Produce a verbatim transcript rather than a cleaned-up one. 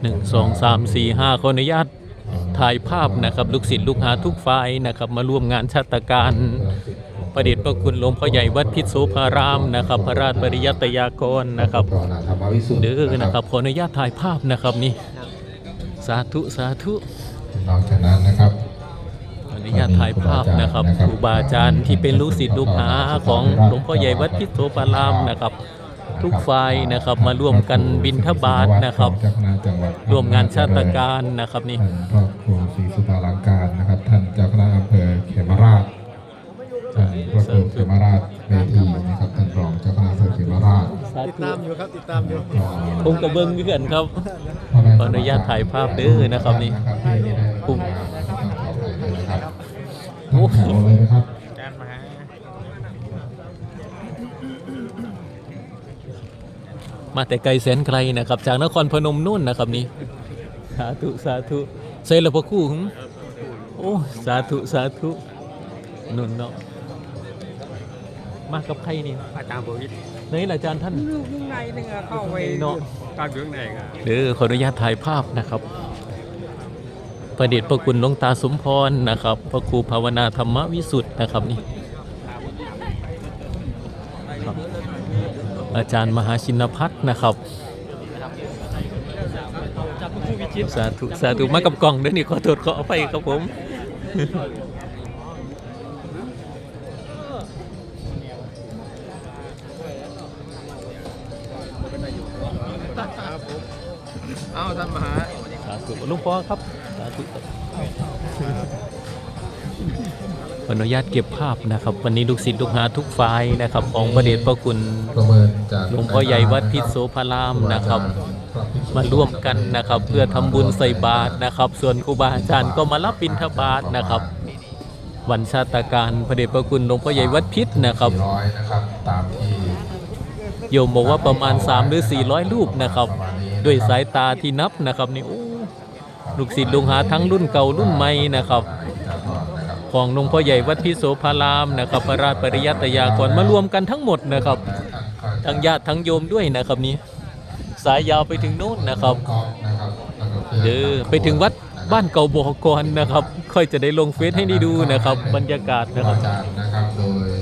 หนึ่งสองสามสี่ห้าขออนุญาตถ่ายภาพนะครับลูกศิษย์ลูกหาทุกฝ่ายนะครับมาร่วมงานชาตการประเดชพระคุณหลวงพ่อใหญ่วัดพิษโสภารามนะครับพระราชปริยัตยากรนะครับเด้อนะครับขออนุญาตถ่ายภาพนะครับนี่สาธุสาธุนอกจากนั้นนะครับขออนุญาตถ่ายภาพนะครับครูบาอาจารย์ที่เป็นลูกศิษย์ลูกหาของหลวงพ่อใหญ่วัดพิษโสภารามนะครับทุกฝ่ายนะครับมาร่วมกันบิณฑบาตนะครับร่วมงานชาตการนะครับนี่ท่านครอบครัวศรีสุภาลังการนะครับท่านเจ้าคณะอำเภอเขมราชท่านพระครูเขมราชเวทีนะครับท่านรองเจ้าคณะอำเภอเขมราชติดตามอยู่ครับติดตามอยู่ผมกระเบื้องเพื่อนครับขออนุญาตถ่ายภาพเด้อนะครับนี่ผมโอ้โหเลยนะครับมาแต่ไกลแสนไกลนะครับจากนครพนมนู่นนะครับนี่สาธุสาธุใส่ละพระคู่หึโอ้สาธุสาธุนุ่นเนาะมากับใครนี่อาจารย์บุญนี่แหละอาจารย์ท่านลูกข้างในนึงเข้าไปเนาะตามอยู่ข้างในกันเด้อขออนุญาตถ่ายภาพนะครับประเดชพระคุณหลวงตาสมพรนะครับพระครูภาวนาธรรมวิสุทธ์นะครับนี่อาจารย์มหาชินพัฒน์นะครับสาธุสาธุมากับกล่องด้วยนี่ขอโทษขออภัยครับผมเอาท่านมหาสาธุลุงพ่อครับสาธุขออนุญาตเก็บภาพนะครับวันนี้ลูกศิษย์ลูกหาทุกฝ่ายนะครับของประเดชพระคุณหลวงพ่อใหญ่วัดพิษโสภารามนะครับมาร่วมกันนะครับเพื่อทำบุญใส่บาตรนะครับส่วนครูบาอาจารย์ก็มารับบิณฑบาตนะครับวันชาตการพระเดชพระคุณหลวงพ่อใหญ่วัดพิษนะครับโยมบอกว่าประมาณสามหรือสี่ร้อยรูปนะครับด้วยสายตาที่นับนะครับนี่โอ้ลูกศิษย์ลูกหาทั้งรุ่นเก่ารุ่นใหม่นะครับของหลวงพ่อใหญ่วัดพิษโสภารามนะครับพระราชปริยัตยากรมารวมกันทั้งหมดนะครับทั้งญาติทั้งโยมด้วยนะครับนี้สายยาวไปถึงโน้นนะครับเด้อไปถึงวัดบ้านเก่าบ่อกรนะครับค่อยจะได้ลงเฟซให้ได้ดูนะครับบรรยากาศนะครับโดย